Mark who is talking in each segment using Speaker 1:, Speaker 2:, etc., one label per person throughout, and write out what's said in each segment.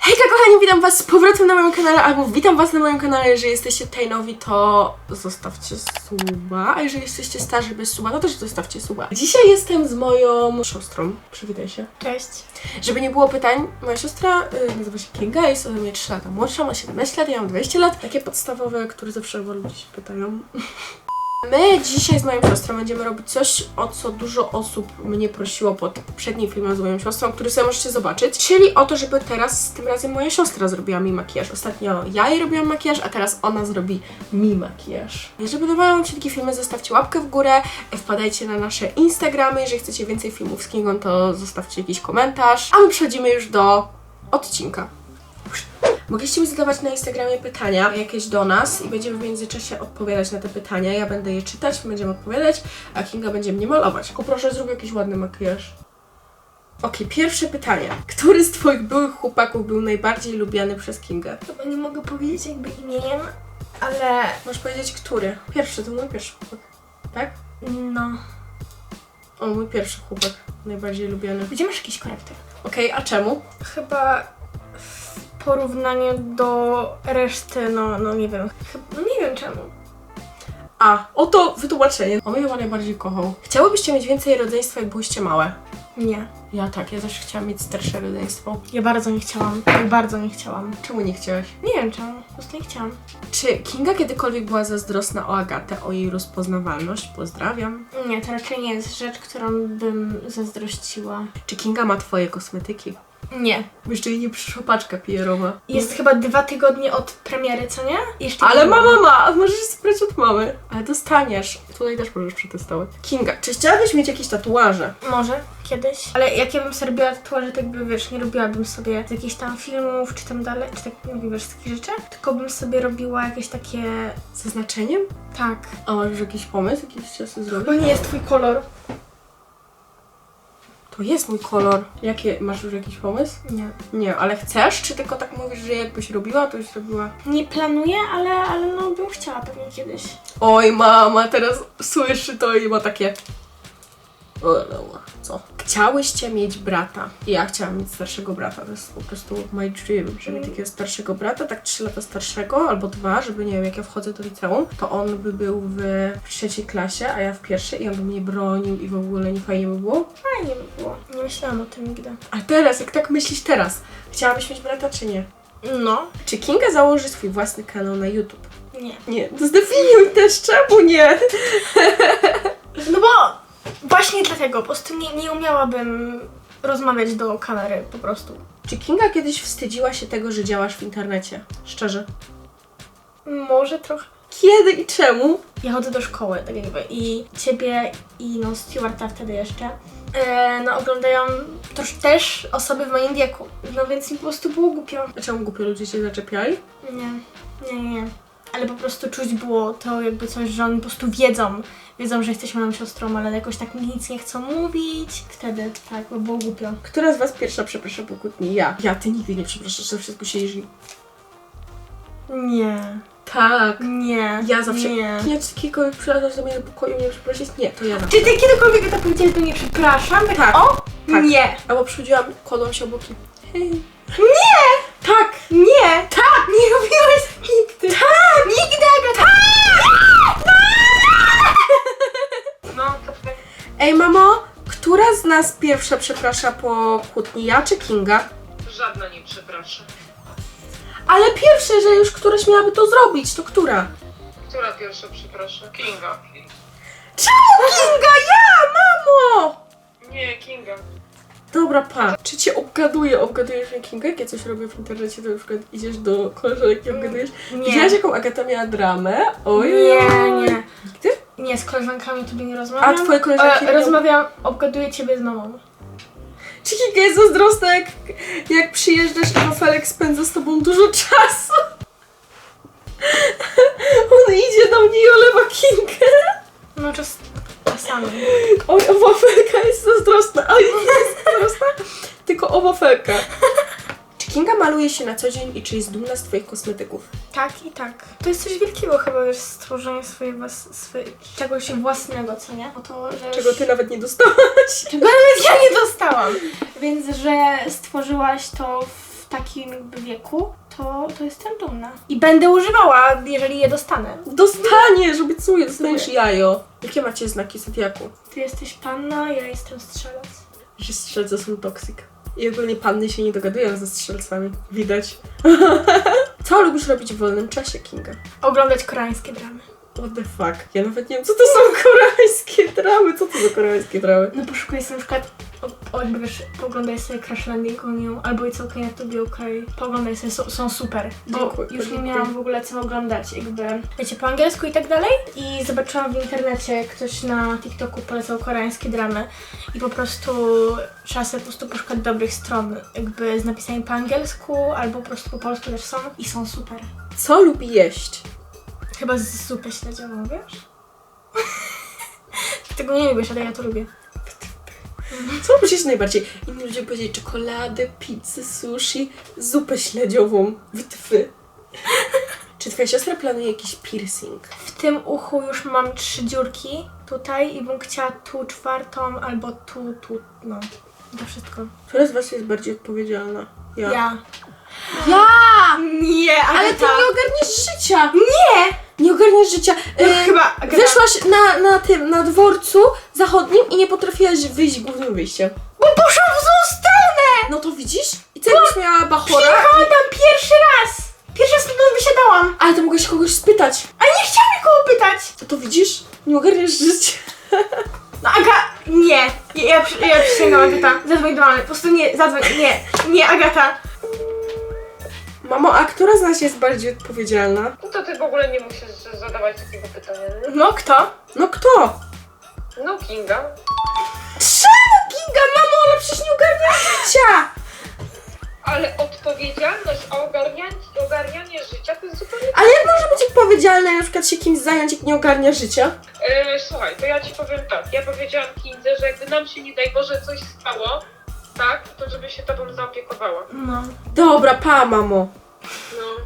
Speaker 1: Hejka kochani, witam was z powrotem na moim kanale, albo witam was na moim kanale. Jeżeli jesteście tutaj nowi, to zostawcie suba, a jeżeli jesteście starzy bez suba, to też zostawcie suba. Dzisiaj jestem z moją siostrą, przywitaj się.
Speaker 2: Cześć.
Speaker 1: Żeby nie było pytań, moja siostra nazywa się Kinga, jest ode mnie 3 lata młodsza, ma 17 lat, ja mam 20 lat. Takie podstawowe, które zawsze ludzie się pytają. My dzisiaj z moją siostrą będziemy robić coś, o co dużo osób mnie prosiło pod poprzednim filmem z moją siostrą, który sobie możecie zobaczyć. Czyli o to, żeby teraz, tym razem moja siostra zrobiła mi makijaż. Ostatnio ja jej robiłam makijaż, a teraz ona zrobi mi makijaż. Jeżeli podobają wam się takie filmy, zostawcie łapkę w górę, wpadajcie na nasze Instagramy. Jeżeli chcecie więcej filmów z Kingą, to zostawcie jakiś komentarz. A my przechodzimy już do odcinka. Mogliście mi zadawać na Instagramie pytania jakieś do nas i będziemy w międzyczasie odpowiadać na te pytania. Ja będę je czytać, będziemy odpowiadać, a Kinga będzie mnie malować. Poproszę, zrób jakiś ładny makijaż. Okej, pierwsze pytanie. Który z twoich byłych chłopaków był najbardziej lubiany przez Kingę?
Speaker 2: Chyba nie mogę powiedzieć jakby imieniem, ale
Speaker 1: Możesz powiedzieć, który? Pierwszy, to mój pierwszy chłopak. Tak?
Speaker 2: no.
Speaker 1: O, mój pierwszy chłopak. Najbardziej lubiany.
Speaker 2: Gdzie masz jakiś korektor?
Speaker 1: Okej, a czemu?
Speaker 2: Chyba w porównaniu do reszty, no nie wiem. No nie wiem czemu.
Speaker 1: A, oto wytłumaczenie. On mnie chyba najbardziej kochał. Chciałybyście mieć więcej rodzeństwa, jak byłyście małe?
Speaker 2: Nie.
Speaker 1: Ja tak, ja też chciałam mieć starsze rodzeństwo.
Speaker 2: Ja bardzo nie chciałam. Ja bardzo nie chciałam.
Speaker 1: Czemu nie chciałaś?
Speaker 2: Nie wiem czemu. Po prostu nie chciałam.
Speaker 1: Czy Kinga kiedykolwiek była zazdrosna o Agatę, o jej rozpoznawalność? Pozdrawiam.
Speaker 2: Nie, to raczej nie jest rzecz, którą bym zazdrościła.
Speaker 1: Czy Kinga ma twoje kosmetyki?
Speaker 2: Nie.
Speaker 1: Jeszcze jej nie przyszła paczka PR-owa.
Speaker 2: Jest chyba 2 tygodnie od premiery, co nie? Jeszcze
Speaker 1: Ale
Speaker 2: nie było.
Speaker 1: mama ma! A możesz sprać od mamy. Ale dostaniesz. Tutaj też możesz przetestować. Kinga, czy chciałabyś mieć jakieś tatuaże?
Speaker 2: Może kiedyś. Ale jak ja bym sobie robiła tatuaże, tak by wiesz, nie robiłabym sobie z jakichś tam filmów, czy tam dalej, czy tak nie wiesz, z takich rzeczy. Tylko bym sobie robiła jakieś takie.
Speaker 1: Z zaznaczeniem?
Speaker 2: Tak.
Speaker 1: A masz już jakiś pomysł? Jakiś czas zrobić?
Speaker 2: Bo nie jest twój kolor.
Speaker 1: To jest mój kolor. Jakie? Masz już jakiś pomysł?
Speaker 2: Nie.
Speaker 1: Nie, ale chcesz? Czy tylko tak mówisz, że jakbyś robiła, to już robiła?
Speaker 2: Nie planuję, ale no bym chciała pewnie kiedyś.
Speaker 1: Oj, mama teraz słyszy to i ma takie... O, no, co? Chciałyście mieć brata. I ja chciałam mieć starszego brata. To jest po prostu my dream, żeby mieć takiego starszego brata, tak 3 lata starszego, albo 2, żeby nie wiem, jak ja wchodzę do liceum, to on by był w 3. klasie, a ja w 1. i on by mnie bronił i w ogóle nie fajnie by było.
Speaker 2: Fajnie by było. Nie myślałam o tym nigdy.
Speaker 1: A teraz, jak tak myślisz teraz, chciałabyś mieć brata czy nie?
Speaker 2: No.
Speaker 1: Czy Kinga założy swój własny kanał na YouTube?
Speaker 2: Nie.
Speaker 1: Nie, to zdefiniuj też, czemu nie?
Speaker 2: No bo właśnie dlatego, po prostu nie umiałabym rozmawiać do kamery, po prostu.
Speaker 1: Czy Kinga kiedyś wstydziła się tego, że działasz w internecie? Szczerze.
Speaker 2: Może trochę.
Speaker 1: Kiedy i czemu?
Speaker 2: Ja chodzę do szkoły, tak jakby, i ciebie i no Stewarta wtedy jeszcze, no oglądają też osoby w moim wieku, no więc mi po prostu było głupio.
Speaker 1: A czemu głupio ludzie się zaczepiali?
Speaker 2: Nie. Ale po prostu czuć było to jakby coś, że oni po prostu wiedzą, że jesteś moją siostrą, ale jakoś tak mi nic nie chcą mówić. Wtedy tak, bo było głupio.
Speaker 1: Która z was pierwsza przeprasza po kłótni? Ja. Ja, ty nigdy nie przepraszasz, za wszystko siedzisz i...
Speaker 2: Nie.
Speaker 1: Tak.
Speaker 2: Nie.
Speaker 1: Ja zawsze...
Speaker 2: Nie.
Speaker 1: Nie, czy kiedykolwiek przylazasz do mnie do pokoju i mnie przeprosić? Nie, to ja zawsze.
Speaker 2: Czy ty kiedykolwiek tak powiedziałeś do mnie przepraszam?
Speaker 1: Tak.
Speaker 2: O?
Speaker 1: Tak.
Speaker 2: Nie.
Speaker 1: Albo przychodziłam, kładłam się obok i... Hej.
Speaker 2: Tak. Nie. Tak. Nie robiłaś tak nigdy. Tak. Nigdy, Agata. No.
Speaker 1: Ej, mamo, która z nas pierwsza przeprasza po kłótni? Ja czy Kinga?
Speaker 3: Żadna nie przeprasza.
Speaker 1: Ale pierwsze, że już któraś miałaby to zrobić, to która?
Speaker 3: Która pierwsza przeprasza? Kinga.
Speaker 1: Czemu Kinga? Ja, mamo!
Speaker 3: Nie, Kinga.
Speaker 1: Dobra, pa. Czy cię obgadujesz mnie Kinga? Jak ja coś robię w internecie, to na przykład idziesz do koleżanek i obgadujesz?
Speaker 2: Nie.
Speaker 1: Widziałaś, jaką Agata miała dramę? Oj,
Speaker 2: Nie.
Speaker 1: Nigdy?
Speaker 2: Nie, z koleżankami tobie nie rozmawiam.
Speaker 1: A twoje koleżanki nie-
Speaker 2: Rozmawiam, obgaduję ciebie z mamą.
Speaker 1: Czy Kinga jest zazdrosna, jak przyjeżdżasz i Wafelek spędza z tobą dużo czasu? On idzie do mnie i olewa Kingę.
Speaker 2: No czasami.
Speaker 1: Oj, o Wafelka jest zazdrosna. Oj, nie jest zazdrosna, tylko o Wafelka. Czy Kinga maluje się na co dzień i czy jest dumna z twoich kosmetyków?
Speaker 2: Tak i tak. To jest coś wielkiego chyba, wiesz, stworzenie czegoś własnego, co nie? O to, że
Speaker 1: Czego ty nawet nie dostałaś?
Speaker 2: Czego nawet ja nie dostałam. Więc, że stworzyłaś to w w takim jakby wieku, to jestem dumna. I będę używała, jeżeli je dostanę.
Speaker 1: Dostaniesz, obiecuję, dostaniesz jajo. Jakie macie znaki zodiaku?
Speaker 2: Ty jesteś panna, ja jestem strzelec.
Speaker 1: Że strzelce są toksyk. I ogólnie panny się nie dogadują ze strzelcami. Widać. Co lubisz robić w wolnym czasie, Kinga?
Speaker 2: Oglądać koreańskie dramy.
Speaker 1: What the fuck? Ja nawet nie wiem, co to są koreańskie dramy. Co to za koreańskie dramy?
Speaker 2: No poszukuję sobie na przykład, jakby wiesz, pooglądaj sobie Crash Landing on You, albo It's Okay Not To Be Okay. Pooglądaj sobie, są super. Bo
Speaker 1: Dziękuję,
Speaker 2: już nie
Speaker 1: dziękuję.
Speaker 2: miałam w ogóle co oglądać, jakby, wiecie, po angielsku i tak dalej. I zobaczyłam w internecie, ktoś na TikToku polecał koreańskie dramy. I po prostu trzeba sobie po prostu poszukać dobrych stron, jakby z napisami po angielsku, albo po prostu po polsku też są. I są super.
Speaker 1: Co lubi jeść?
Speaker 2: Chyba z zupę śledziową, wiesz? Tego nie lubisz, ale ja to lubię.
Speaker 1: Co lubisz jeść najbardziej? Inni ludzie powiedzieli czekoladę, pizzę, sushi, zupę śledziową. Wytwy. Czy twoja siostra planuje jakiś piercing?
Speaker 2: W tym uchu już mam 3 dziurki tutaj i bym chciała tu 4. albo tu, no. To wszystko.
Speaker 1: Która z was jest bardziej odpowiedzialna? Ja.
Speaker 2: Ja. Nie,
Speaker 1: Ale ty nie ogarniesz życia!
Speaker 2: Nie!
Speaker 1: Nie ogarniasz życia.
Speaker 2: Chyba
Speaker 1: Wyszłaś na dworcu zachodnim i nie potrafiłaś wyjść głównym wyjściem.
Speaker 2: Bo poszłam w złą stronę!
Speaker 1: No to widzisz? I co jakbyś miała bachora?
Speaker 2: Przyjechałam tam pierwszy raz! Pierwszy raz stąd wysiadałam!
Speaker 1: Ale to mogłaś kogoś spytać.
Speaker 2: A nie chciałam nikogo pytać!
Speaker 1: To widzisz? Nie ogarniasz życia.
Speaker 2: No Aga, nie! Ja przysięgam, Agata. Zadzwoń do mamy. Po prostu nie, zadzwoń. Nie, Agata.
Speaker 1: Mamo, a która z nas jest bardziej odpowiedzialna?
Speaker 3: No to ty w ogóle nie musisz zadawać takiego pytania, nie?
Speaker 2: No kto?
Speaker 1: No kto?
Speaker 3: No Kinga.
Speaker 1: Czemu Kinga, mamo? Ona przecież nie ogarnia życia!
Speaker 3: Ale odpowiedzialność, a ogarnianie życia to jest zupełnie...
Speaker 1: Ale jak może być odpowiedzialna i na przykład się kimś zająć, jak nie ogarnia życia?
Speaker 3: Słuchaj, to ja ci powiem tak. Ja powiedziałam Kindze, że jakby nam się nie daj Boże coś stało, tak, to żeby się tobą zaopiekowała.
Speaker 2: No.
Speaker 1: Dobra, pa, mamo.
Speaker 3: No.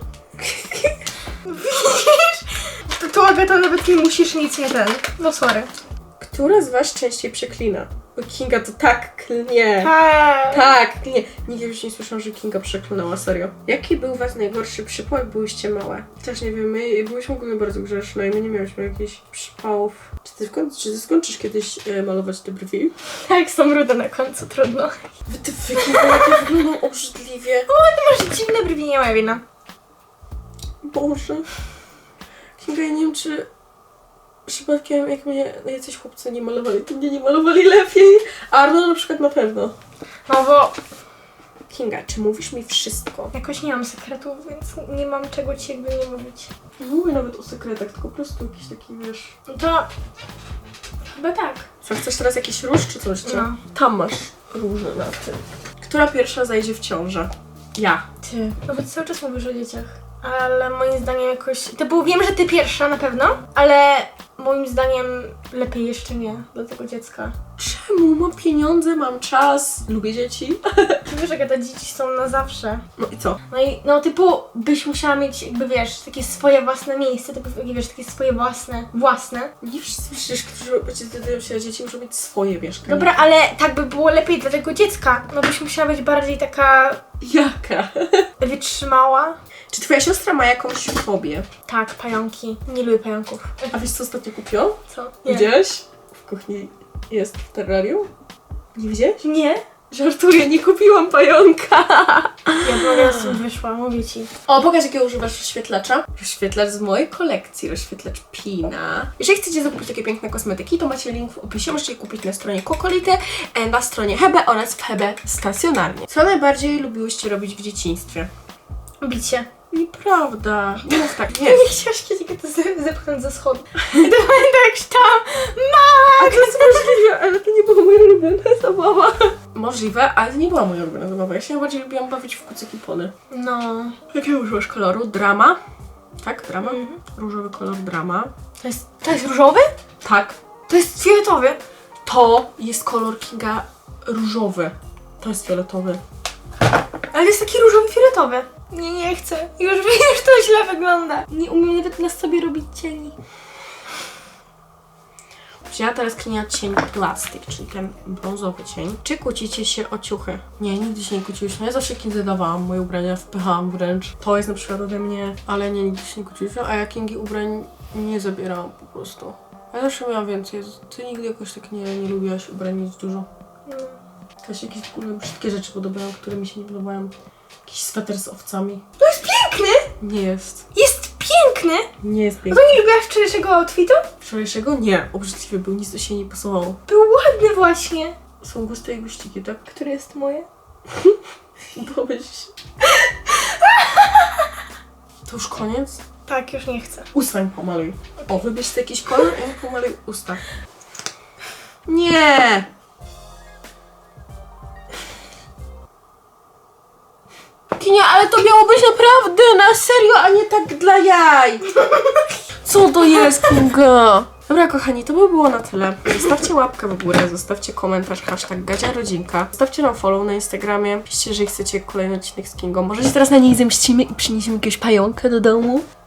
Speaker 2: To Agata nawet nie musisz nic nie ten. No sorry.
Speaker 1: Która z was częściej przeklina? Bo Kinga to tak klnie.
Speaker 2: Tak.
Speaker 1: Tak, klnie. Nigdy już nie słyszałam, że Kinga przeklinała, serio. Jaki był was najgorszy przypał, jak byłyście małe? Też nie wiem, my byłyśmy ogólnie bardzo grzeczne i my nie miałyśmy jakichś przypałów. Czy ty skończysz kiedyś malować te brwi?
Speaker 2: Tak, są rude na końcu, trudno.
Speaker 1: Ty Kinga, jakie wyglądają obrzydliwie.
Speaker 2: Ty masz dziwne brwi, nie moja wina.
Speaker 1: Boże. Kinga, ja nie wiem, czy przypadkiem jak mnie jacyś chłopcy nie malowali, to mnie nie malowali lepiej. A Arno na przykład na pewno.
Speaker 2: No bo
Speaker 1: Kinga, czy mówisz mi wszystko?
Speaker 2: jakoś nie mam sekretów, więc nie mam czego ci jakby nie mówić.
Speaker 1: Nie mówię nawet o sekretach, tylko po prostu jakiś taki, wiesz...
Speaker 2: No to chyba tak.
Speaker 1: Co, chcesz teraz jakiś róż czy coś? Czy?
Speaker 2: No.
Speaker 1: Tam masz róże na tym. Która pierwsza zajdzie w ciążę? Ja.
Speaker 2: Ty. No bo ty cały czas mówisz o dzieciach. Ale moim zdaniem jakoś... wiem, że ty pierwsza na pewno, ale moim zdaniem lepiej jeszcze nie dla tego dziecka.
Speaker 1: Czemu? Mam pieniądze, mam czas, lubię dzieci.
Speaker 2: Ty wiesz, jak te dzieci są na zawsze.
Speaker 1: No i co?
Speaker 2: No i no typu byś musiała mieć jakby wiesz, takie swoje własne miejsce, typu, wiesz, takie swoje własne.
Speaker 1: Nie wszyscy przecież, którzy decydują się na dzieci, muszą mieć swoje mieszkanie.
Speaker 2: Dobra, ale tak by było lepiej dla tego dziecka. No byś musiała być bardziej taka
Speaker 1: Jaka?
Speaker 2: wytrzymała.
Speaker 1: Czy twoja siostra ma jakąś fobię?
Speaker 2: Tak, pająki. Nie lubię pająków.
Speaker 1: A wiesz co ostatnio kupiłam?
Speaker 2: Co?
Speaker 1: Widziałeś? W kuchni jest w terrarium? Nie widziałeś?
Speaker 2: Nie?
Speaker 1: Żartuję, nie kupiłam pająka.
Speaker 2: Ja mogę z tym wyszła, mówię ci.
Speaker 1: O, pokaż jakiego używasz rozświetlacza. Rozświetlacz z mojej kolekcji, rozświetlacz Pina. Jeżeli chcecie zakupić takie piękne kosmetyki, to macie link w opisie. Możecie je kupić na stronie Kokolity, na stronie Hebe oraz w Hebe stacjonarnie. Co najbardziej lubiłyście robić w dzieciństwie?
Speaker 2: Bicie.
Speaker 1: Nieprawda. Nie mów tak, nie.
Speaker 2: Nie chciałaś kiedyś to zepchnąć ze schodu. I to pamiętam jak tam
Speaker 1: A to jest możliwe, ale to nie była moja ulubiona zabawa. Możliwe, ale to nie była moja ulubiona zabawa. Ja się najbardziej lubiłam bawić w kucyki pony.
Speaker 2: No.
Speaker 1: Jakiego używasz koloru? Drama? Tak, drama? Różowy kolor drama.
Speaker 2: To jest różowy?
Speaker 1: Tak.
Speaker 2: To jest fioletowy.
Speaker 1: To jest kolor Kinga różowy. To jest fioletowy.
Speaker 2: Ale jest taki różowy fioletowy. Nie chcę. Już to źle wygląda. Nie umiem nawet na sobie robić cieni.
Speaker 1: Wzięła teraz Klinia cień plastik, czyli ten brązowy cień. Czy kłócicie się o ciuchy? Nie, nigdy się nie kłóciłyśmy. Ja zawsze Kindze dawałam moje ubrania, wpychałam wręcz. To jest na przykład ode mnie, ale nie, nigdy się nie kłóciłyśmy, a ja Kingi ubrań nie zabierałam po prostu. Ja zawsze miałam więcej. Ty nigdy jakoś tak nie lubiłaś ubrań mieć dużo. To się jakieś w ogóle brzydkie rzeczy podobają, które mi się nie podobają. Jakiś sweter z owcami.
Speaker 2: To jest piękny!
Speaker 1: Nie jest.
Speaker 2: Jest piękny!
Speaker 1: Nie jest
Speaker 2: No
Speaker 1: piękny.
Speaker 2: to nie lubiłaś wczorajszego outfitu?
Speaker 1: Wczorajszego? Nie. Obrzydliwy był, nic do siebie nie pasowało.
Speaker 2: Był ładny właśnie.
Speaker 1: Są guste i guściki, tak?
Speaker 2: Które jest moje?
Speaker 1: Pomyśl. To już koniec?
Speaker 2: Tak, już nie chcę.
Speaker 1: Usta mi pomaluj. O, wybierz sobie jakiś kolor i mi pomaluj usta. Nie! Kinia, ale to miało być naprawdę na serio, a nie tak dla jaj. Co to jest, Kinga? Dobra, kochani, to by było na tyle. Zostawcie łapkę w górę, zostawcie komentarz, #GadziaRodzinka. Zostawcie nam follow na Instagramie. Piszcie, jeżeli chcecie kolejny odcinek z Kingą. Może się teraz na niej zemścimy i przyniesiemy jakiegoś pająka do domu.